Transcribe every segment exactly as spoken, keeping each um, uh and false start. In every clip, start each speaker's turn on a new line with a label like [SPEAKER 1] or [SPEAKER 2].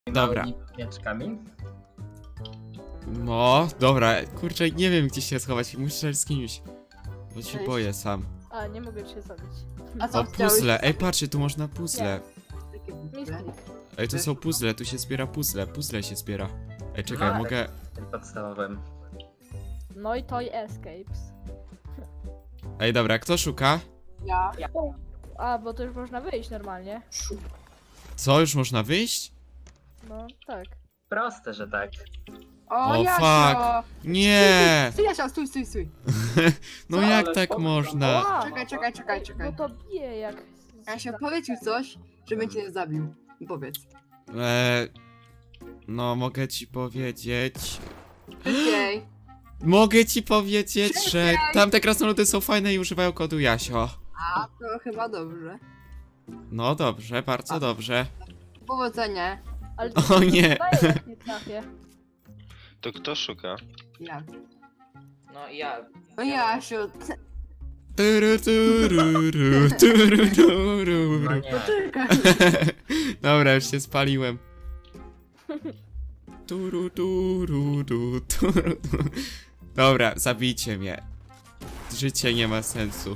[SPEAKER 1] Dobra.
[SPEAKER 2] Mieczkami?
[SPEAKER 1] No, dobra, kurczę, nie wiem gdzie się schować, muszę z kimś. Bo się
[SPEAKER 3] Cześć.
[SPEAKER 1] boję sam.
[SPEAKER 3] A, nie mogę cię zabić.
[SPEAKER 4] A co
[SPEAKER 1] O,
[SPEAKER 4] chciałeś?
[SPEAKER 1] puzzle, ej patrzcie, tu można puzzle.
[SPEAKER 4] Takie puzzle.
[SPEAKER 3] Misklik.
[SPEAKER 1] Ej, to są puzzle, tu się zbiera puzzle, puzzle się zbiera. Ej, czekaj,
[SPEAKER 2] No,
[SPEAKER 1] mogę...
[SPEAKER 2] Tym podstawowym.
[SPEAKER 3] No i Toy Escapes.
[SPEAKER 1] Ej, dobra, kto szuka?
[SPEAKER 4] Ja.
[SPEAKER 3] A, bo to już można wyjść normalnie.
[SPEAKER 1] Co, już można wyjść?
[SPEAKER 3] No, tak.
[SPEAKER 2] Proste, że tak.
[SPEAKER 4] O,
[SPEAKER 1] O,
[SPEAKER 4] Jasio!
[SPEAKER 1] fuck. Nie!
[SPEAKER 4] Stój, Jasio, stój, stój, stój.
[SPEAKER 1] No
[SPEAKER 2] Co,
[SPEAKER 1] jak
[SPEAKER 2] ale
[SPEAKER 1] tak
[SPEAKER 2] spoko.
[SPEAKER 1] można?
[SPEAKER 3] Ła!
[SPEAKER 4] Czekaj, czekaj, czekaj, czekaj.
[SPEAKER 3] No to bije jak...
[SPEAKER 4] Jasio, powiedz mi coś, żebym cię nie zabił. Powiedz.
[SPEAKER 1] Eee, no, mogę ci powiedzieć...
[SPEAKER 4] Okej.
[SPEAKER 1] Mogę ci powiedzieć, że tamte krasnoludy są fajne i używają kodu Jasio.
[SPEAKER 4] A, to chyba dobrze.
[SPEAKER 1] No dobrze, bardzo dobrze.
[SPEAKER 4] Powodzenia.
[SPEAKER 3] Ale
[SPEAKER 1] O nie!
[SPEAKER 3] daję, jak nie trafię.
[SPEAKER 5] To kto szuka?
[SPEAKER 4] Ja.
[SPEAKER 6] No ja.
[SPEAKER 4] O, Jasio.
[SPEAKER 1] Turu, tururu, turu,
[SPEAKER 2] No
[SPEAKER 1] turu.
[SPEAKER 2] nie.
[SPEAKER 4] Poczekaj.
[SPEAKER 1] Dobra, już się spaliłem. Turu, turu, turu, turu. Dobra, zabijcie mnie. Życie nie ma sensu.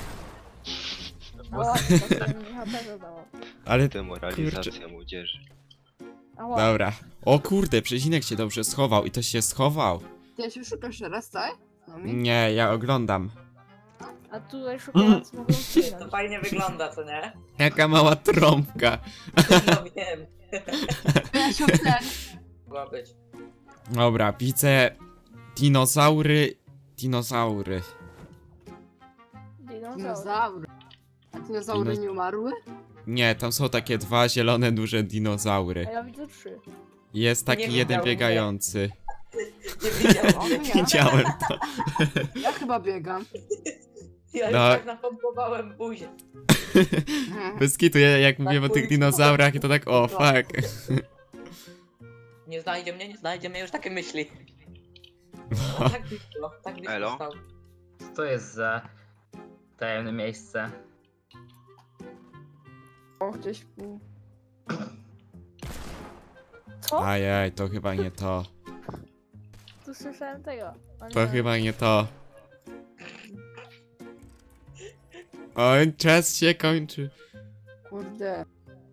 [SPEAKER 3] Ała, to mi H P zadało.
[SPEAKER 1] Ale
[SPEAKER 5] Demoralizacja młodzieży.
[SPEAKER 3] Ała.
[SPEAKER 1] dobra. O kurde, Przecinek się dobrze schował i to się schował.
[SPEAKER 4] Ty Jasio szukasz teraz, tak? No mi?
[SPEAKER 1] Nie, ja oglądam.
[SPEAKER 3] A tutaj szukając mogą
[SPEAKER 6] To
[SPEAKER 3] zginąć.
[SPEAKER 6] fajnie wygląda, co nie?
[SPEAKER 1] Jaka mała trąbka.
[SPEAKER 6] No wiem.
[SPEAKER 4] Jasio, ten.
[SPEAKER 6] Mogła być.
[SPEAKER 1] Dobra, widzę dinozaury. Dinozaury.
[SPEAKER 3] Dinozaur.
[SPEAKER 4] Dinozaury. A dinozaury
[SPEAKER 1] Dino-
[SPEAKER 4] nie umarły?
[SPEAKER 1] Nie, tam są takie dwa zielone duże dinozaury.
[SPEAKER 3] A ja widzę trzy.
[SPEAKER 1] Jest taki
[SPEAKER 6] Nie
[SPEAKER 1] jeden
[SPEAKER 6] widział mnie.
[SPEAKER 1] biegający.
[SPEAKER 6] Nie widziałem.
[SPEAKER 4] O, to ja.
[SPEAKER 1] Widziałem to.
[SPEAKER 4] Ja chyba biegam.
[SPEAKER 6] Ja już
[SPEAKER 1] No.
[SPEAKER 6] tak napompowałem buzię.
[SPEAKER 1] Bez kitu, ja jak mówiłem o tych
[SPEAKER 6] pójdź.
[SPEAKER 1] dinozaurach i to tak, o fuck.
[SPEAKER 6] Nie znajdzie mnie, nie znajdzie mnie, już takie myśli.
[SPEAKER 1] No.
[SPEAKER 6] Tak blisko, tak blisko
[SPEAKER 5] Elo?
[SPEAKER 6] stał.
[SPEAKER 2] Co to jest za tajemne miejsce?
[SPEAKER 4] O, gdzieś pół.
[SPEAKER 3] Co?
[SPEAKER 1] Ajaj, to chyba nie to.
[SPEAKER 3] Tu słyszałem tego. O nie.
[SPEAKER 1] To chyba nie to. Oj, czas się kończy.
[SPEAKER 4] Kurde.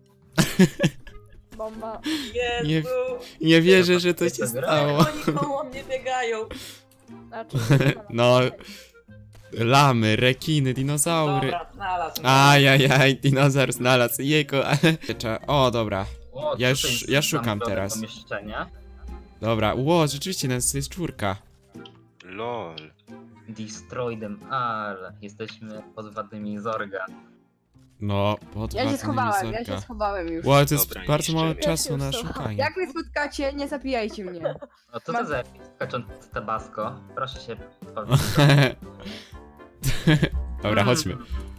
[SPEAKER 3] Bomba.
[SPEAKER 6] Jezu!
[SPEAKER 1] Nie wierzę, że to się
[SPEAKER 2] Jest to gra?
[SPEAKER 1] stało.
[SPEAKER 6] Oni koło mnie biegają.
[SPEAKER 3] Znaczy,
[SPEAKER 1] No, lamy, rekiny, dinozaury.
[SPEAKER 6] Dobra, znalazł.
[SPEAKER 1] Ajajaj, dinozaur znalazł. Jego, ale... O, dobra.
[SPEAKER 2] O,
[SPEAKER 1] Ja
[SPEAKER 2] co
[SPEAKER 1] już-
[SPEAKER 2] to jest
[SPEAKER 1] ja szukam
[SPEAKER 2] zamknięte
[SPEAKER 1] teraz.
[SPEAKER 2] Pomieszczenie?
[SPEAKER 1] Dobra, ło, rzeczywiście nas jest czwórka.
[SPEAKER 5] LOL.
[SPEAKER 2] Destroy them all. Jesteśmy podwładnymi Zorga.
[SPEAKER 1] No, pod
[SPEAKER 4] Ja się
[SPEAKER 1] władzeniem
[SPEAKER 4] schowałem, ja się
[SPEAKER 1] Zorka.
[SPEAKER 4] schowałem już.
[SPEAKER 1] Ło, to jest
[SPEAKER 5] Dobra,
[SPEAKER 1] bardzo mało
[SPEAKER 5] niszczę.
[SPEAKER 1] czasu
[SPEAKER 3] Ja się
[SPEAKER 1] na
[SPEAKER 3] już
[SPEAKER 1] szukanie.
[SPEAKER 4] Jak mnie spotkacie, nie zabijajcie mnie.
[SPEAKER 2] O, co
[SPEAKER 4] Mam-
[SPEAKER 2] to za skaczący tabasco? Proszę się powiedzieć.
[SPEAKER 1] Dobra, chodźmy.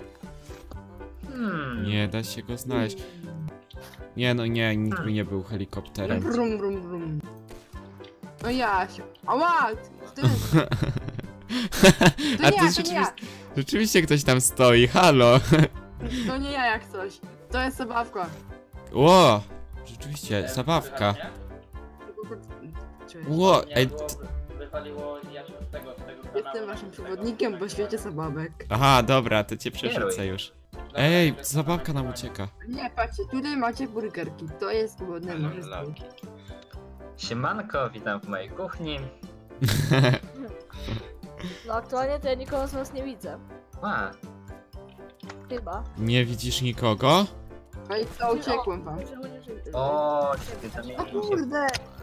[SPEAKER 2] Hmm.
[SPEAKER 1] Nie da się go znaleźć. Nie no nie, nikt by nie był helikopterem.
[SPEAKER 4] Brum, brum, brum. No Jasio. Ała! Ty, to
[SPEAKER 1] A
[SPEAKER 4] nie
[SPEAKER 1] tu
[SPEAKER 4] ja, to nie ja.
[SPEAKER 1] rzeczywiście, rzeczywiście ktoś tam stoi, halo.
[SPEAKER 4] To nie ja jak coś. To jest zabawka.
[SPEAKER 1] Ło, rzeczywiście, zabawka.
[SPEAKER 4] Cześć.
[SPEAKER 1] Ło, ej, t-
[SPEAKER 6] Wypaliło Jasio z tego, z tego
[SPEAKER 4] Jestem waszym przewodnikiem po świecie zabawek.
[SPEAKER 1] aha, dobra, to cię przerzucę
[SPEAKER 2] Kieruj.
[SPEAKER 1] już. Ej, zabawka nam ucieka.
[SPEAKER 4] Nie, patrzcie, tutaj macie burgerki. To jest głodne miejsce.
[SPEAKER 5] Laki.
[SPEAKER 2] Siemanko, witam w mojej kuchni.
[SPEAKER 3] No aktualnie to ja nikogo z was nie widzę.
[SPEAKER 2] A,
[SPEAKER 3] Chyba.
[SPEAKER 1] Nie widzisz nikogo?
[SPEAKER 4] No i to uciekłem wam.
[SPEAKER 3] Żył, nie żył.
[SPEAKER 2] o, ty
[SPEAKER 4] O
[SPEAKER 2] zamienił się.
[SPEAKER 4] kurde!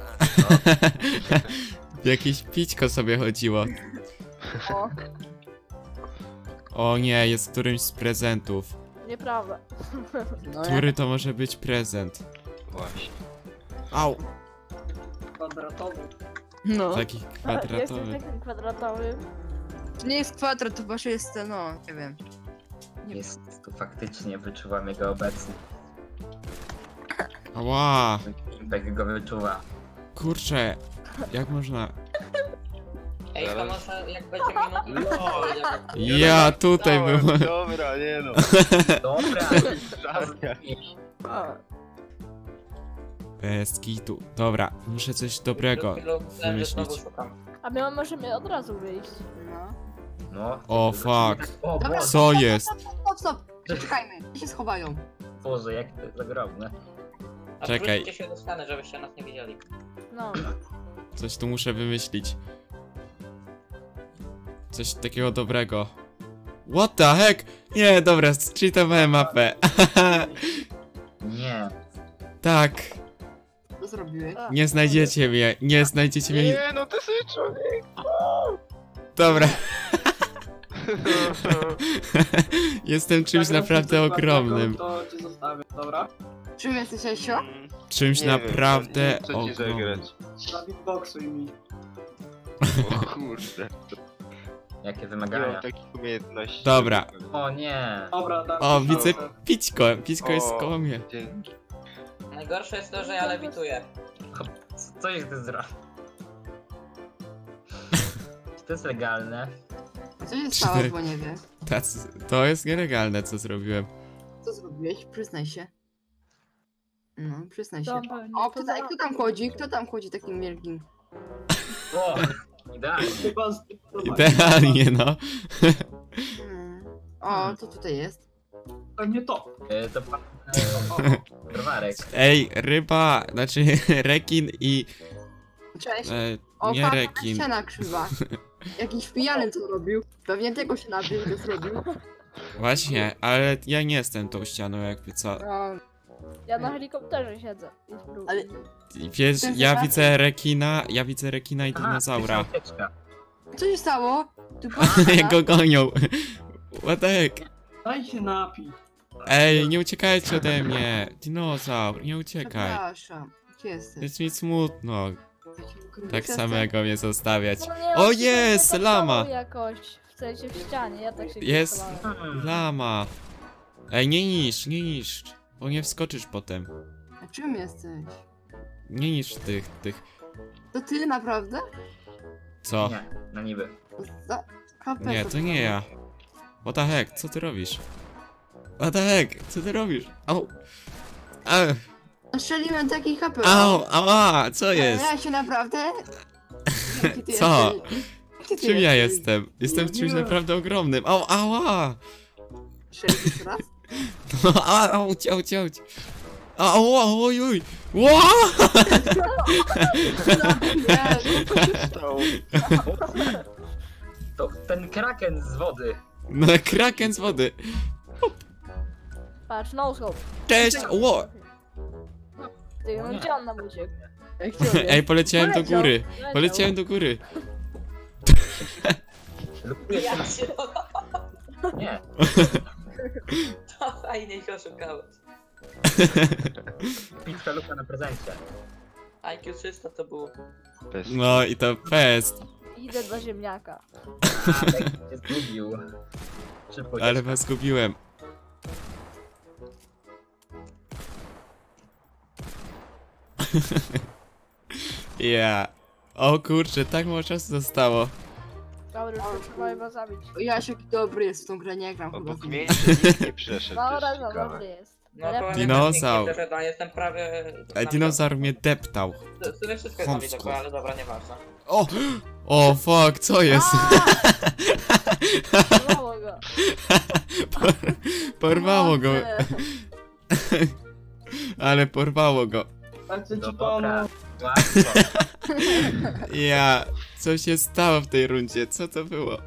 [SPEAKER 1] Jakieś pićko sobie chodziło.
[SPEAKER 4] O,
[SPEAKER 1] O nie, jest którymś z prezentów.
[SPEAKER 3] Nieprawda.
[SPEAKER 4] no
[SPEAKER 1] Który to może być prezent?
[SPEAKER 5] Właśnie.
[SPEAKER 1] Au,
[SPEAKER 6] kwadratowy.
[SPEAKER 4] No.
[SPEAKER 1] taki
[SPEAKER 3] Jestem
[SPEAKER 1] kwadratowy.
[SPEAKER 3] takim kwadratowym.
[SPEAKER 4] To nie jest kwadrat, to wasze jest, no, nie wiem.
[SPEAKER 2] Jest tu faktycznie, wyczuwam jego obecność.
[SPEAKER 1] Ała,
[SPEAKER 2] Impek go wyczuwa.
[SPEAKER 1] kurczę, jak można...
[SPEAKER 6] Ej, to może jak będzie minut...
[SPEAKER 5] LOL.
[SPEAKER 1] Ja tutaj
[SPEAKER 5] Dałem,
[SPEAKER 1] byłem.
[SPEAKER 5] Dobra, nie no.
[SPEAKER 2] Dobra,
[SPEAKER 5] Żarnia.
[SPEAKER 4] O,
[SPEAKER 1] Bez kitu. Dobra, muszę coś dobrego
[SPEAKER 6] Przed chwilą myślałem, że znowu
[SPEAKER 1] wymyślić.
[SPEAKER 6] szukam.
[SPEAKER 3] A my możemy od razu wyjść.
[SPEAKER 4] No.
[SPEAKER 2] No.
[SPEAKER 1] O, fuck.
[SPEAKER 2] O
[SPEAKER 4] Dobra.
[SPEAKER 2] Boże,
[SPEAKER 1] Co jest?
[SPEAKER 4] Stop, stop! Czekajmy, gdzie się schowają?
[SPEAKER 2] Boże, jak to jest zagrobne.
[SPEAKER 6] A
[SPEAKER 1] Czekaj.
[SPEAKER 6] wróćcie się do ściany, żebyście nas nie widzieli.
[SPEAKER 3] No.
[SPEAKER 1] Coś tu muszę wymyślić. Coś takiego dobrego. What the heck? Nie, dobra, zcheatowałem mapę.
[SPEAKER 2] Nie.
[SPEAKER 1] Tak,
[SPEAKER 4] Co zrobiłeś?
[SPEAKER 3] A,
[SPEAKER 1] nie znajdziecie mnie, nie znajdziecie mnie.
[SPEAKER 5] Nie, no ty sobie człowiek.
[SPEAKER 1] Dobra. Jestem czymś naprawdę ogromnym.
[SPEAKER 7] To cię zostawię, dobra?
[SPEAKER 4] Czym jesteś, Esio?
[SPEAKER 5] Mm,
[SPEAKER 1] Czymś
[SPEAKER 5] nie wiem,
[SPEAKER 1] naprawdę
[SPEAKER 5] co ci
[SPEAKER 1] ogromnym.
[SPEAKER 5] zagrać?
[SPEAKER 7] Na beatboxuj mi.
[SPEAKER 5] O kurde.
[SPEAKER 2] Jakie
[SPEAKER 5] Nie mam
[SPEAKER 2] wymagania.
[SPEAKER 5] takich umiejętności.
[SPEAKER 1] Dobra.
[SPEAKER 2] O nie.
[SPEAKER 7] Dobra, dam
[SPEAKER 1] O,
[SPEAKER 7] ci
[SPEAKER 1] widzę
[SPEAKER 7] szansę.
[SPEAKER 1] pićko, pićko jest
[SPEAKER 5] O.
[SPEAKER 1] koło mnie.
[SPEAKER 5] Dzięki.
[SPEAKER 6] Najgorsze jest to, że ja lewituję.
[SPEAKER 2] Co- Co jest ty zrobił? Czy to jest legalne?
[SPEAKER 4] Co się stało, bo nie wie?
[SPEAKER 1] Tacy, to jest nielegalne, co zrobiłem.
[SPEAKER 4] Co zrobiłeś? Przyznaj się. No, przyznaj się.
[SPEAKER 3] to pewnie
[SPEAKER 4] O,
[SPEAKER 3] to
[SPEAKER 4] kto,
[SPEAKER 3] za-
[SPEAKER 4] ta, kto tam chodzi? Kto tam chodzi takim wielkim?
[SPEAKER 2] O! Idealnie.
[SPEAKER 7] Chyba zdecydowanie.
[SPEAKER 1] Idealnie, no.
[SPEAKER 4] Hmm. O, co tutaj jest?
[SPEAKER 7] To nie to.
[SPEAKER 2] E, To pan... e, Browarek.
[SPEAKER 1] Ej, ryba, znaczy rekin i...
[SPEAKER 4] Cześć.
[SPEAKER 1] E,
[SPEAKER 4] O,
[SPEAKER 1] nie
[SPEAKER 4] patrz,
[SPEAKER 1] rekin.
[SPEAKER 4] ściana krzywa. Jakiś pijany co robił? Pewnie tego się nabił, to zrobił.
[SPEAKER 1] Właśnie, ale ja nie jestem tą ścianą, jakby co.
[SPEAKER 4] No,
[SPEAKER 3] Ja na helikopterze siedzę. I spróbuję.
[SPEAKER 4] ale
[SPEAKER 1] Wiesz,
[SPEAKER 4] Ten
[SPEAKER 1] ja
[SPEAKER 4] zaraz-
[SPEAKER 1] widzę rekina, ja widzę rekina i
[SPEAKER 2] Aha,
[SPEAKER 1] dinozaura.
[SPEAKER 2] ucieczka.
[SPEAKER 4] co się stało? Tu
[SPEAKER 1] Jak go gonią. What the heck?
[SPEAKER 7] Daj się napić.
[SPEAKER 1] Ej, nie uciekajcie ode mnie. Dinozaur, nie uciekaj.
[SPEAKER 4] Przepraszam. Gdzie jesteś?
[SPEAKER 1] Jest mi smutno tak
[SPEAKER 4] Przestań.
[SPEAKER 1] samego mnie zostawiać.
[SPEAKER 3] No nie,
[SPEAKER 1] O,
[SPEAKER 3] on się
[SPEAKER 1] jest,
[SPEAKER 3] nie
[SPEAKER 1] lama.
[SPEAKER 3] zachował jakoś. W sensie w ścianie, ja tak się
[SPEAKER 1] Jest.
[SPEAKER 3] gotowałem.
[SPEAKER 2] Hmm.
[SPEAKER 1] Lama. Ej, nie niszcz, nie niszcz. Bo nie wskoczysz potem.
[SPEAKER 4] A czym jesteś?
[SPEAKER 1] Nie niszcz tych, tych.
[SPEAKER 4] To ty naprawdę?
[SPEAKER 1] Co?
[SPEAKER 2] Nie, no niby.
[SPEAKER 4] Za... K P
[SPEAKER 1] Nie, to nie ja. What the heck, co ty robisz? What the heck, co ty robisz? Au. Au,
[SPEAKER 4] Strzeliłem taki K P.
[SPEAKER 1] au, ała, co jest?
[SPEAKER 4] Ja się naprawdę? Jaki ty
[SPEAKER 1] Co?
[SPEAKER 4] jesteś? Jaki ty
[SPEAKER 1] Czym ja
[SPEAKER 4] jesteś?
[SPEAKER 1] jestem? Jestem czymś
[SPEAKER 7] Nie.
[SPEAKER 1] naprawdę ogromnym. Au, ała!
[SPEAKER 4] Strzelisz jeszcze raz?
[SPEAKER 1] No, au, au, ciał, ciał. Au, au, oj, oj. Ła!
[SPEAKER 4] Nie,
[SPEAKER 5] Stało.
[SPEAKER 2] To ten kraken z wody.
[SPEAKER 1] No, kraken z wody.
[SPEAKER 3] Patrz, no scope.
[SPEAKER 1] Cześć! Ło!
[SPEAKER 3] Ty,
[SPEAKER 2] O
[SPEAKER 3] no
[SPEAKER 2] nie.
[SPEAKER 3] gdzie on nam uciekł?
[SPEAKER 4] Jak cię
[SPEAKER 1] Ej, poleciałem do
[SPEAKER 3] Poleciał,
[SPEAKER 1] góry.
[SPEAKER 3] poleciał.
[SPEAKER 1] Poleciałem do góry.
[SPEAKER 2] Lubię
[SPEAKER 6] Ja się
[SPEAKER 2] Nie.
[SPEAKER 6] to fajnie ich oszukałeś.
[SPEAKER 2] Pitka luka na prezencie.
[SPEAKER 6] I Q trzysta to było.
[SPEAKER 5] Bez
[SPEAKER 1] No i to fest.
[SPEAKER 3] Idę do ziemniaka.
[SPEAKER 2] A, tak się zgubił. Szybko
[SPEAKER 1] Ale
[SPEAKER 2] ucieczka.
[SPEAKER 1] was zgubiłem. Ja. O kurczę, tak mało czasu zostało.
[SPEAKER 3] Dobra, już to trzeba chyba zabić.
[SPEAKER 4] Jaś jaki dobry jest w tą grę, nie gram chyba.
[SPEAKER 5] Obok mnie jeszcze nikt nie przeszedł. To
[SPEAKER 3] Dobra,
[SPEAKER 5] jest
[SPEAKER 3] no
[SPEAKER 5] ciekawe.
[SPEAKER 3] dobry jest.
[SPEAKER 6] No to
[SPEAKER 1] Dinozaur.
[SPEAKER 6] nie wiem, jestem prawie...
[SPEAKER 1] Ej, dinozaur mnie deptał.
[SPEAKER 6] W sumie wszystko jest
[SPEAKER 1] Chamsko.
[SPEAKER 6] zabite, ale dobra, nieważne.
[SPEAKER 1] O! O fuck, co jest?
[SPEAKER 3] Porwało go.
[SPEAKER 1] Porwało go,
[SPEAKER 3] Pomocy.
[SPEAKER 1] ale porwało go.
[SPEAKER 7] Tak, ci
[SPEAKER 2] Dobra.
[SPEAKER 7] pomóc.
[SPEAKER 2] Łatwo.
[SPEAKER 1] Ja, co się stało w tej rundzie? Co to było?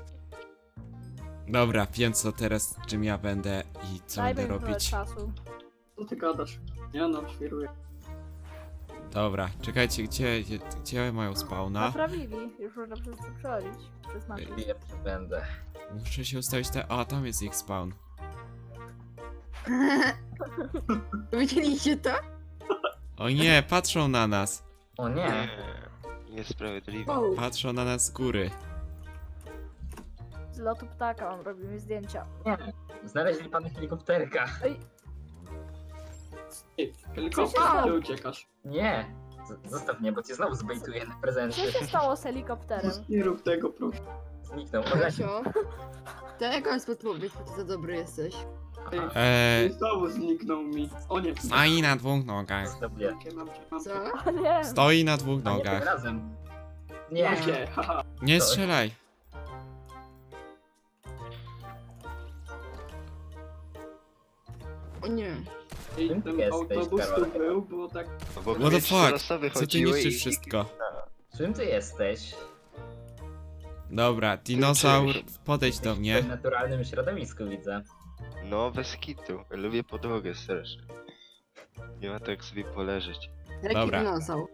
[SPEAKER 1] Dobra, wiem co teraz, czym ja będę i co
[SPEAKER 3] Dajmy
[SPEAKER 1] będę
[SPEAKER 3] mi trochę
[SPEAKER 1] robić.
[SPEAKER 3] czasu.
[SPEAKER 7] Co ty gadasz? Ja no, świruję.
[SPEAKER 1] Dobra, czekajcie, gdzie, gdzie, gdzie mają spawna?
[SPEAKER 3] Naprawili. Już można przez to przechodzić. Przez mapę.
[SPEAKER 2] Lepszy będę.
[SPEAKER 1] Muszę się ustawić te... A, tam jest ich spawn.
[SPEAKER 4] Widzieliście to?
[SPEAKER 1] O nie, patrzą na nas.
[SPEAKER 2] O nie.
[SPEAKER 5] Nie. Niesprawiedliwe.
[SPEAKER 4] Wow.
[SPEAKER 1] Patrzą na nas z góry.
[SPEAKER 3] Z lotu ptaka on robi mi zdjęcia.
[SPEAKER 2] Nie. Znaleźli pan helikopterka.
[SPEAKER 7] Ty,
[SPEAKER 3] Co się
[SPEAKER 7] helikopter,
[SPEAKER 3] stało?
[SPEAKER 7] ty uciekasz.
[SPEAKER 2] Nie. Z Zostaw mnie, bo cię znowu zbejtuję na prezencie.
[SPEAKER 3] Co się stało z helikopterem?
[SPEAKER 7] Nie rób tego, proszę.
[SPEAKER 2] Zniknął.
[SPEAKER 4] Kasio, to jaka jest podpowiedź, bo ty za dobry jesteś?
[SPEAKER 1] Eee,
[SPEAKER 7] Znowu zniknął mi. O nie.
[SPEAKER 1] stoi na dwóch nogach.
[SPEAKER 2] Dobie.
[SPEAKER 7] Mam cię, mam cię.
[SPEAKER 4] Co?
[SPEAKER 3] O nie.
[SPEAKER 1] Stoi na dwóch
[SPEAKER 2] A nie tym
[SPEAKER 1] nogach.
[SPEAKER 2] razem. Nie.
[SPEAKER 7] Mam cię, haha.
[SPEAKER 1] Nie strzelaj.
[SPEAKER 4] O nie.
[SPEAKER 7] I
[SPEAKER 2] Czym
[SPEAKER 7] ten
[SPEAKER 2] jesteś,
[SPEAKER 7] autobus tu
[SPEAKER 2] Karolek?
[SPEAKER 7] był, było tak...
[SPEAKER 5] Bo
[SPEAKER 1] What the
[SPEAKER 5] mnie trzy
[SPEAKER 1] fuck?
[SPEAKER 5] osoby
[SPEAKER 1] Co ty
[SPEAKER 5] chodziły
[SPEAKER 1] niszczysz
[SPEAKER 5] i-
[SPEAKER 1] wszystko?
[SPEAKER 2] Czym ty jesteś?
[SPEAKER 1] Dobra, dinozaur, podejdź do
[SPEAKER 2] W
[SPEAKER 1] mnie.
[SPEAKER 2] naturalnym środowisku widzę.
[SPEAKER 5] No, bez kitu. Lubię podłogę strasznie. Nie ma tak sobie poleżeć.
[SPEAKER 4] Jaki
[SPEAKER 1] Dobra.
[SPEAKER 4] dinozaur?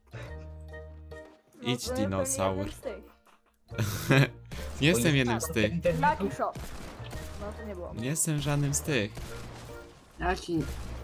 [SPEAKER 3] No
[SPEAKER 1] Idź,
[SPEAKER 3] to ja
[SPEAKER 1] dinozaur.
[SPEAKER 3] pewnie jeden z tych.
[SPEAKER 1] Nie jestem jednym z tych.
[SPEAKER 3] Lucky shot. No to nie było.
[SPEAKER 1] Nie jestem żadnym z tych.
[SPEAKER 4] Ja ci...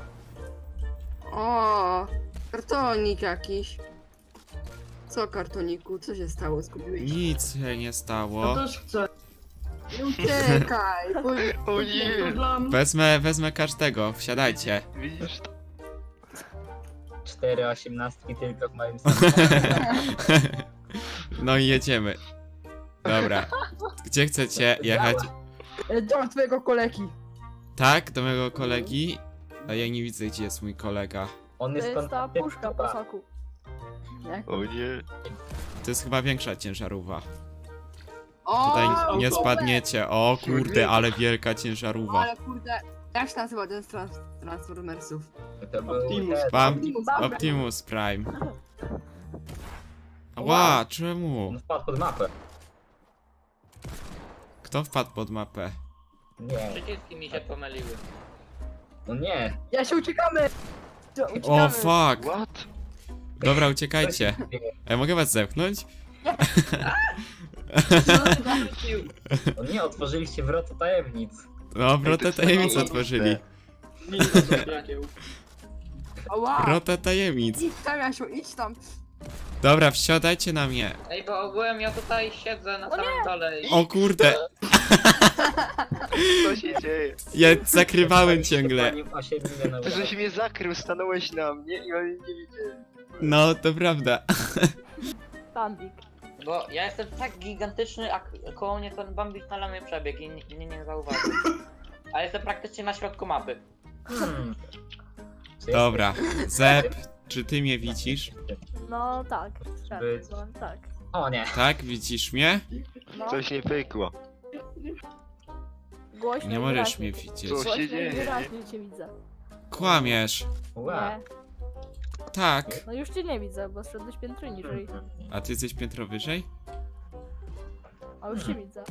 [SPEAKER 4] O, kartonik jakiś. Co kartoniku? Co się stało? Zgubiłeś?
[SPEAKER 1] Nic się nie
[SPEAKER 7] Ja
[SPEAKER 1] stało.
[SPEAKER 7] też chcę.
[SPEAKER 4] Nie uciekaj! Bo...
[SPEAKER 5] O
[SPEAKER 7] To
[SPEAKER 5] nie!
[SPEAKER 7] dla mnie.
[SPEAKER 1] Wezmę, wezmę każdego, wsiadajcie.
[SPEAKER 5] Widzisz to?
[SPEAKER 2] Cztery osiemnastki tylko w moim samochodzie.
[SPEAKER 1] No i jedziemy. Dobra. Gdzie chcecie jechać?
[SPEAKER 4] Do twojego kolegi.
[SPEAKER 1] Tak, do mojego kolegi. A ja nie widzę, gdzie jest mój kolega.
[SPEAKER 2] On
[SPEAKER 3] To
[SPEAKER 2] jest
[SPEAKER 3] jest ta
[SPEAKER 2] kon-
[SPEAKER 3] puszka po soku.
[SPEAKER 4] Jak?
[SPEAKER 5] O nie!
[SPEAKER 1] To jest chyba większa ciężarówka.
[SPEAKER 4] O,
[SPEAKER 1] Tutaj nie
[SPEAKER 7] auto.
[SPEAKER 1] spadniecie. O kurde, ale wielka ciężarówka.
[SPEAKER 4] Ale kurde, jak się nazywa ten z trans Transformersów?
[SPEAKER 2] To był
[SPEAKER 7] Optimus.
[SPEAKER 2] ten-
[SPEAKER 1] Pam
[SPEAKER 4] Optimus.
[SPEAKER 1] Optimus Prime. Ła, czemu?
[SPEAKER 2] On wpadł pod mapę.
[SPEAKER 1] Kto wpadł pod mapę?
[SPEAKER 2] Nie.
[SPEAKER 6] Przyciski mi się pomyliły.
[SPEAKER 2] No nie.
[SPEAKER 4] Ja się uciekamy! To
[SPEAKER 1] O
[SPEAKER 4] uciekamy.
[SPEAKER 1] fuck!
[SPEAKER 5] What?
[SPEAKER 1] Dobra, uciekajcie. Ej, mogę was zepchnąć?
[SPEAKER 2] O nie, otworzyliście wrota tajemnic.
[SPEAKER 1] No, wrotę tajemnic otworzyli.
[SPEAKER 7] Ninja zabiegieł.
[SPEAKER 4] Ała!
[SPEAKER 1] Wrotę tajemnic.
[SPEAKER 4] Idź tam, Jasiu, idź tam.
[SPEAKER 1] Dobra, wsiadajcie na mnie.
[SPEAKER 6] Ej, bo ogółem ja tutaj siedzę na samym dole i...
[SPEAKER 1] O kurde,
[SPEAKER 5] Co się dzieje?
[SPEAKER 1] ja zakrywałem ciągle.
[SPEAKER 2] Pani osiedli na
[SPEAKER 5] Ty żeś mnie zakrył, stanąłeś na mnie i oni nie widzieli.
[SPEAKER 1] No, to prawda.
[SPEAKER 3] Bambik.
[SPEAKER 6] Bo ja jestem tak gigantyczny, a k- koło mnie ten Bambik na lamie przebiegł i ni- mnie nie zauważył. Ale jestem praktycznie na środku mapy.
[SPEAKER 2] Hmm. Czy
[SPEAKER 1] Dobra, Zep, czy ty mnie widzisz?
[SPEAKER 3] No tak.
[SPEAKER 2] Być.
[SPEAKER 3] No, tak.
[SPEAKER 2] O nie.
[SPEAKER 1] Tak, widzisz mnie?
[SPEAKER 3] No,
[SPEAKER 5] Coś nie pykło.
[SPEAKER 3] głośno
[SPEAKER 1] Nie
[SPEAKER 3] i
[SPEAKER 1] możesz
[SPEAKER 3] wyraźnie.
[SPEAKER 1] mnie widzieć.
[SPEAKER 5] Co się
[SPEAKER 3] Głośno i
[SPEAKER 5] dzieje?
[SPEAKER 3] wyraźnie cię widzę.
[SPEAKER 1] Kłamiesz.
[SPEAKER 2] Ła.
[SPEAKER 3] Nie.
[SPEAKER 1] Tak.
[SPEAKER 3] No już cię nie widzę, bo zszedłeś piętro niżej.
[SPEAKER 1] A ty jesteś piętro wyżej?
[SPEAKER 3] A już cię widzę.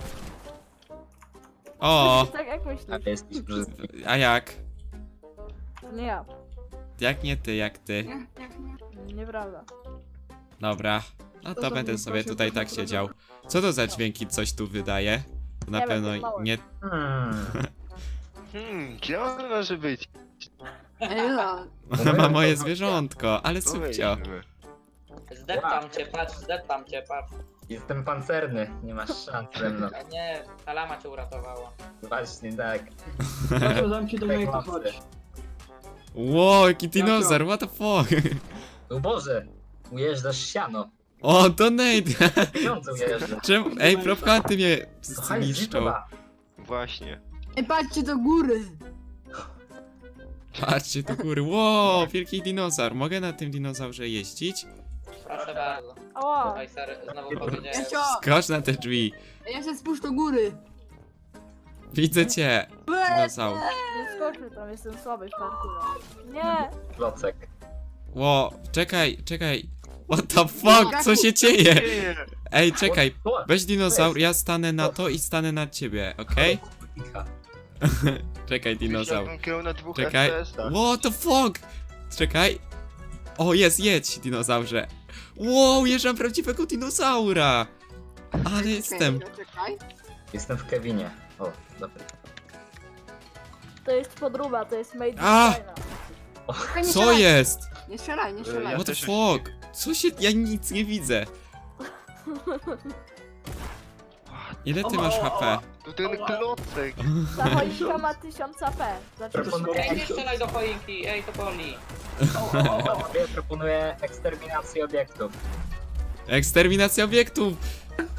[SPEAKER 1] O,
[SPEAKER 3] Tak jak
[SPEAKER 2] A
[SPEAKER 3] myślisz.
[SPEAKER 2] ty jesteś brzydki.
[SPEAKER 1] a jak?
[SPEAKER 3] To nie ja.
[SPEAKER 1] Jak nie ty, jak ty?
[SPEAKER 3] Nieprawda.
[SPEAKER 1] Dobra. No to będę sobie tutaj tak siedział. Co to za dźwięki coś tu wydaje? To na
[SPEAKER 3] Nie wiem,
[SPEAKER 1] pewno
[SPEAKER 3] to mało.
[SPEAKER 1] nie...
[SPEAKER 2] Hmm.
[SPEAKER 5] Hmm, gdzie on może być?
[SPEAKER 4] Ej, no.
[SPEAKER 1] Ona ma moje zwierzątko, ale
[SPEAKER 5] Tu
[SPEAKER 1] subcio.
[SPEAKER 5] weźmy.
[SPEAKER 6] Zdeptam cię, patrz, zdeptam cię, patrz.
[SPEAKER 2] Jestem pancerny. Nie masz szans ze mną.
[SPEAKER 6] A nie, ta lama cię uratowała.
[SPEAKER 2] Właśnie tak.
[SPEAKER 7] Proszę, dam ci do mojego chodź.
[SPEAKER 1] Wow, jaki dinozaur, what the fuck?
[SPEAKER 2] O Boże. Ujeżdżasz siano.
[SPEAKER 1] O, donate!
[SPEAKER 2] Pieniądze ujeżdżasz.
[SPEAKER 1] Czemu? Ej, propkanty mnie
[SPEAKER 2] Kochaj,
[SPEAKER 1] zniszczą.
[SPEAKER 2] zniszczona.
[SPEAKER 5] Właśnie.
[SPEAKER 4] Ej, patrzcie do góry!
[SPEAKER 1] Patrzcie do góry. Wow, wielki dinozaur. Mogę na tym dinozaurze jeździć?
[SPEAKER 6] Proszę bardzo.
[SPEAKER 3] Ała!
[SPEAKER 6] Tutaj ser znowu powiedziałem.
[SPEAKER 4] Jasio!
[SPEAKER 1] Skocz na te drzwi.
[SPEAKER 4] Ej, ja się spójrz do góry!
[SPEAKER 1] Widzę cię, dinozaur.
[SPEAKER 3] Nie skoczmy tam, jestem słaby w parkurze. Nie!
[SPEAKER 2] Klocek.
[SPEAKER 1] Ło, czekaj, czekaj. What the fuck, co się dzieje? Ej, czekaj.
[SPEAKER 2] O,
[SPEAKER 1] Weź dinozaur, ja stanę na to i stanę na ciebie, okej?
[SPEAKER 2] Icha.
[SPEAKER 1] Czekaj, dinozaur.
[SPEAKER 5] Jakbym grał na dwóch
[SPEAKER 1] Czekaj.
[SPEAKER 5] F P S-ach.
[SPEAKER 1] What the fuck? Czekaj. O, jest, jedź, dinozaurze. Wow, jeżdżam prawdziwego dinozaura. Ale jestem.
[SPEAKER 4] Czekaj, czekaj.
[SPEAKER 2] Jestem w Kevinie. O, dobra.
[SPEAKER 3] To jest podróba, to jest made in
[SPEAKER 1] A!
[SPEAKER 3] China.
[SPEAKER 4] Czekaj, nie
[SPEAKER 1] Co
[SPEAKER 4] strzelaj.
[SPEAKER 1] jest?
[SPEAKER 4] Nie strzelaj, nie
[SPEAKER 5] Ja
[SPEAKER 4] strzelaj.
[SPEAKER 1] What the
[SPEAKER 5] też
[SPEAKER 1] fuck? Co się... Ja nic nie widzę. Ile ty masz H P?
[SPEAKER 5] Tu ten klocek.
[SPEAKER 3] Ta choinka ma tysiąc A P. Znaczy,
[SPEAKER 2] Proponuję,
[SPEAKER 6] Ej, nie strzelaj do choinki, ej, to boli.
[SPEAKER 2] ja proponuję eksterminację obiektów.
[SPEAKER 1] Eksterminacja obiektów!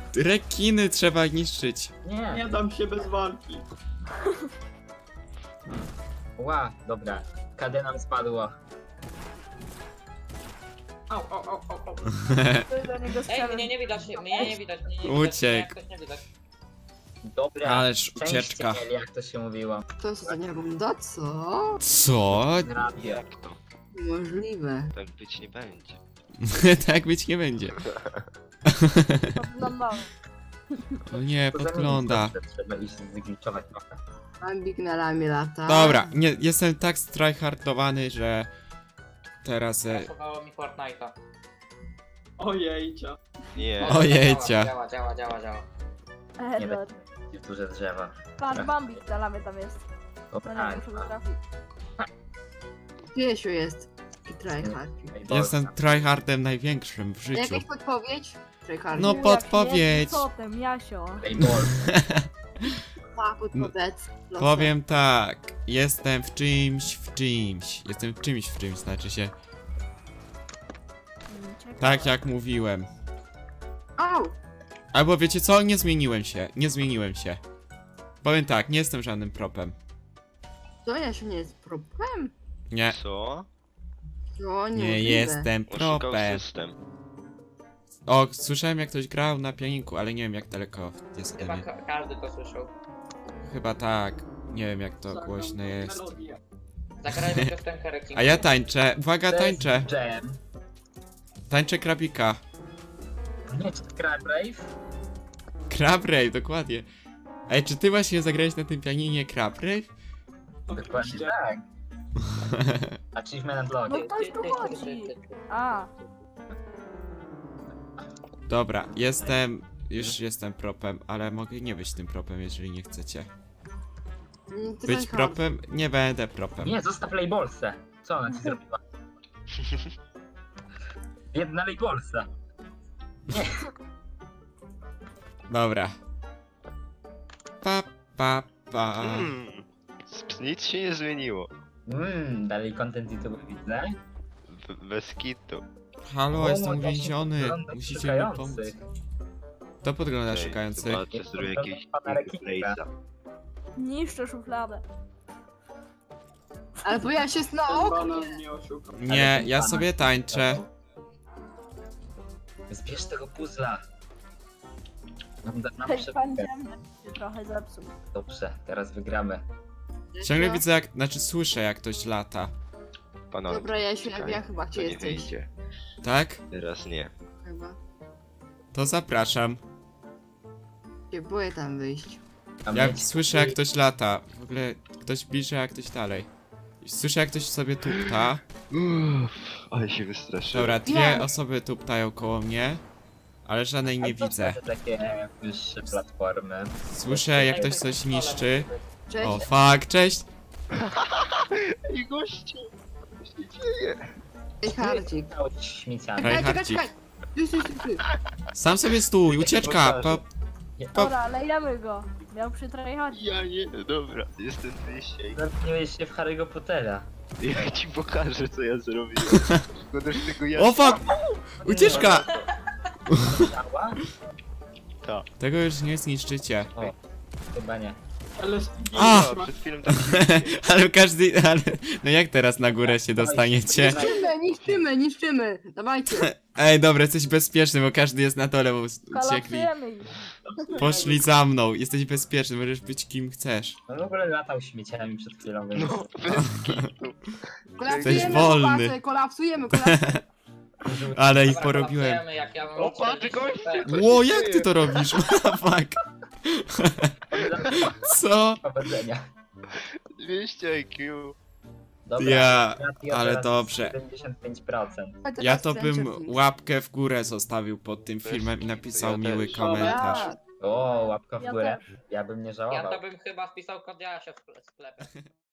[SPEAKER 1] Rekiny trzeba niszczyć.
[SPEAKER 2] Nie.
[SPEAKER 7] Nie dam się bez walki.
[SPEAKER 2] Ła, dobra. K D nam spadło.
[SPEAKER 7] Au, au, au, au, au.
[SPEAKER 3] Ty do niego
[SPEAKER 6] Ej,
[SPEAKER 3] strzelę.
[SPEAKER 6] mnie nie widać, mnie nie widać, mnie nie widać.
[SPEAKER 1] Uciekł.
[SPEAKER 6] Mnie jakoś nie widać.
[SPEAKER 2] Dobra.
[SPEAKER 1] Ależ
[SPEAKER 2] Szczęście
[SPEAKER 1] ucieczka.
[SPEAKER 2] mieli, jak to się mówiło.
[SPEAKER 4] To jest ostatnia runda? Co?
[SPEAKER 1] Co?
[SPEAKER 2] Radio.
[SPEAKER 5] Jak to?
[SPEAKER 4] Niemożliwe.
[SPEAKER 5] Tak być nie będzie.
[SPEAKER 1] Tak być nie będzie.
[SPEAKER 3] Podglądamy.
[SPEAKER 1] No nie,
[SPEAKER 2] To
[SPEAKER 1] podgląda.
[SPEAKER 2] zamienić, Trzeba iść zgliczować trochę.
[SPEAKER 4] Bambik na ramię lata.
[SPEAKER 1] Dobra, nie, jestem tak tryhardowany, że teraz... E,
[SPEAKER 6] Pasowało mi Fortnite'a.
[SPEAKER 7] Ojejcia.
[SPEAKER 5] Nie.
[SPEAKER 6] O,
[SPEAKER 1] Ojejcia.
[SPEAKER 6] Działa, działa, działa, działa.
[SPEAKER 3] Edward.
[SPEAKER 2] I w duże drzewa.
[SPEAKER 3] Patrz, Bambik na lamy tam jest.
[SPEAKER 2] O,
[SPEAKER 3] To nie
[SPEAKER 2] tak.
[SPEAKER 3] muszę go trafić.
[SPEAKER 4] Piesiu jest. Taki tryhard.
[SPEAKER 1] jestem tryhardem największym w życiu.
[SPEAKER 4] Jakaś podpowiedź? Tryhard.
[SPEAKER 1] No
[SPEAKER 3] Jak
[SPEAKER 1] podpowiedź.
[SPEAKER 3] jest, Co tym, Jasio?
[SPEAKER 2] Playball.
[SPEAKER 4] Ta podpowiedź. Proszę.
[SPEAKER 1] Powiem tak, jestem w czymś, w czymś. Jestem w czymś, w czymś, znaczy się.
[SPEAKER 3] Mm, ciekawe.
[SPEAKER 1] Tak jak mówiłem.
[SPEAKER 4] Au!
[SPEAKER 1] Albo wiecie co? Nie zmieniłem się, nie zmieniłem się. Powiem tak, nie jestem żadnym propem.
[SPEAKER 4] To ja się nie jest problem?
[SPEAKER 1] Nie,
[SPEAKER 5] Co?
[SPEAKER 4] To nie,
[SPEAKER 1] nie jestem
[SPEAKER 5] Oszukał
[SPEAKER 1] propem.
[SPEAKER 5] system.
[SPEAKER 1] O, słyszałem jak ktoś grał na pianinku, ale nie wiem jak daleko jest ode
[SPEAKER 6] Chyba
[SPEAKER 1] mnie.
[SPEAKER 6] ka każdy to słyszał.
[SPEAKER 1] Chyba tak. Nie wiem jak to
[SPEAKER 7] Zagram
[SPEAKER 1] głośno jest.
[SPEAKER 7] melodię.
[SPEAKER 6] Zagrajmy piosenkę Rekin.
[SPEAKER 1] A ja tańczę, uwaga, tańczę.
[SPEAKER 2] Jam.
[SPEAKER 1] Tańczę krabika.
[SPEAKER 2] Nie, czy Crab Rave?
[SPEAKER 1] Crab Rave, dokładnie. Ej, czy ty właśnie zagrałeś na tym pianinie Crab Rave?
[SPEAKER 2] Dokładnie
[SPEAKER 7] Oczywiście.
[SPEAKER 2] tak. Achievement
[SPEAKER 3] No
[SPEAKER 2] Login.
[SPEAKER 3] ktoś tu chodzi. A,
[SPEAKER 1] Dobra, jestem... Już jestem propem, ale mogę nie być tym propem, jeżeli nie chcecie.
[SPEAKER 4] Mm,
[SPEAKER 1] Być
[SPEAKER 4] tryhard.
[SPEAKER 1] propem? Nie będę propem.
[SPEAKER 2] Nie, zostaw Playbolsę. Co ona ci zrobiła? Jedna Playbolsa.
[SPEAKER 1] Dobra. Pa, pa, pa.
[SPEAKER 5] Hmm. Nic się nie zmieniło.
[SPEAKER 2] Mmm, dalej content YouTube widzę.
[SPEAKER 5] B bez kitu.
[SPEAKER 1] Halo,
[SPEAKER 2] O,
[SPEAKER 1] jestem
[SPEAKER 2] właśnie
[SPEAKER 1] uwięziony.
[SPEAKER 2] podglądam
[SPEAKER 1] Musicie mi pomóc.
[SPEAKER 2] szukających.
[SPEAKER 1] To podgląda
[SPEAKER 5] Ej,
[SPEAKER 1] szukający.
[SPEAKER 5] Zobaczę, zrobię jakiegoś
[SPEAKER 2] Pana Rekika.
[SPEAKER 5] place'a.
[SPEAKER 3] niszczę szufladę.
[SPEAKER 4] Ale bo ja się na
[SPEAKER 7] Ten
[SPEAKER 4] oknie.
[SPEAKER 7] banan mnie oszukał.
[SPEAKER 1] Nie, ja sobie tańczę.
[SPEAKER 2] Zbierz tego puzzla. Nam, nam
[SPEAKER 3] Hej,
[SPEAKER 2] prze...
[SPEAKER 3] pan ziemny się trochę zepsuł.
[SPEAKER 2] Dobrze, teraz wygramy.
[SPEAKER 1] Ciągle widzę jak, znaczy słyszę jak ktoś lata.
[SPEAKER 5] Panowie,
[SPEAKER 4] Dobra, ja się
[SPEAKER 5] czekaj,
[SPEAKER 4] ja chyba
[SPEAKER 5] to
[SPEAKER 4] gdzie
[SPEAKER 5] nie
[SPEAKER 4] jesteś.
[SPEAKER 5] wyjdzie.
[SPEAKER 1] Tak?
[SPEAKER 5] Teraz nie.
[SPEAKER 4] Chyba.
[SPEAKER 1] To zapraszam.
[SPEAKER 4] Się boję tam wyjść.
[SPEAKER 2] A
[SPEAKER 1] Ja
[SPEAKER 2] mieć-
[SPEAKER 1] słyszę jak ktoś lata. W ogóle ktoś bliżej, a ktoś dalej. Słyszę jak ktoś sobie tupta.
[SPEAKER 5] Uff, ale się wystraszyłem.
[SPEAKER 1] Dobra, dwie
[SPEAKER 4] Nie.
[SPEAKER 1] osoby tuptają koło mnie. Ale żadnej nie
[SPEAKER 2] A co
[SPEAKER 1] widzę.
[SPEAKER 2] to takie wyższe platformy?
[SPEAKER 1] Słyszę jak ktoś coś niszczy.
[SPEAKER 4] Cześć.
[SPEAKER 1] O fuck, cześć!
[SPEAKER 5] I gościu! Co się dzieje?
[SPEAKER 4] Tryhardzik.
[SPEAKER 2] Cały śmieciami.
[SPEAKER 1] Ej,
[SPEAKER 4] Czekaj, czekaj,
[SPEAKER 1] Hardzik.
[SPEAKER 4] czekaj. Ty, ty, ty, ty.
[SPEAKER 1] Sam sobie stój, ucieczka! Po, po...
[SPEAKER 3] Dobra, lejemy go. Miał przy tryhardzie.
[SPEAKER 5] Ja nie, dobra, jestem wyjście.
[SPEAKER 2] Zamknąłeś się w Harry'ego Pottera.
[SPEAKER 5] Ja ci pokażę co ja zrobiłem. Szkoda, że tego ja...
[SPEAKER 1] O fuck! Ucieczka!
[SPEAKER 2] Działa?
[SPEAKER 5] Ta.
[SPEAKER 1] Tego już nie zniszczycie.
[SPEAKER 2] Chyba nie.
[SPEAKER 7] Ale
[SPEAKER 1] A!
[SPEAKER 5] No, przed chwilą tak...
[SPEAKER 1] Ale każdy... Ale... No jak teraz na górę się dostaniecie?
[SPEAKER 4] Niszczymy, niszczymy, niszczymy. Dawajcie.
[SPEAKER 1] Ej, dobra, jesteś bezpieczny, bo każdy jest na dole, bo uciekli.
[SPEAKER 3] Kolapsujemy ich.
[SPEAKER 1] Poszli za mną, jesteś bezpieczny, możesz być kim chcesz.
[SPEAKER 2] On w ogóle latał śmieciami przed chwilą, więc...
[SPEAKER 5] No, bez kitu.
[SPEAKER 4] Kolapsujemy,
[SPEAKER 1] wolny.
[SPEAKER 4] chłopacy, kolapsujemy, kolapsujemy.
[SPEAKER 1] Ale ich
[SPEAKER 6] Dobra,
[SPEAKER 1] porobiłem.
[SPEAKER 6] kolapsujemy, jak ja mam
[SPEAKER 5] O, patrz,
[SPEAKER 6] czterdzieści
[SPEAKER 5] goście!
[SPEAKER 6] P.
[SPEAKER 1] Ło, jak ty to robisz? What the fuck? Co?
[SPEAKER 2] Powodzenia.
[SPEAKER 5] dwieście I Q.
[SPEAKER 2] Dobra,
[SPEAKER 1] Ja,
[SPEAKER 2] ratio
[SPEAKER 1] ale
[SPEAKER 2] teraz
[SPEAKER 1] dobrze.
[SPEAKER 2] siedemdziesiąt pięć procent.
[SPEAKER 1] Ja to bym łapkę w górę zostawił pod tym filmem i napisał
[SPEAKER 5] Ja
[SPEAKER 1] miły
[SPEAKER 5] też.
[SPEAKER 1] komentarz.
[SPEAKER 2] O, łapka w
[SPEAKER 3] Ja
[SPEAKER 2] górę.
[SPEAKER 3] też.
[SPEAKER 2] Ja bym nie
[SPEAKER 6] Ja
[SPEAKER 2] żałował.
[SPEAKER 6] to bym chyba wpisał kod Jasia w sklepie.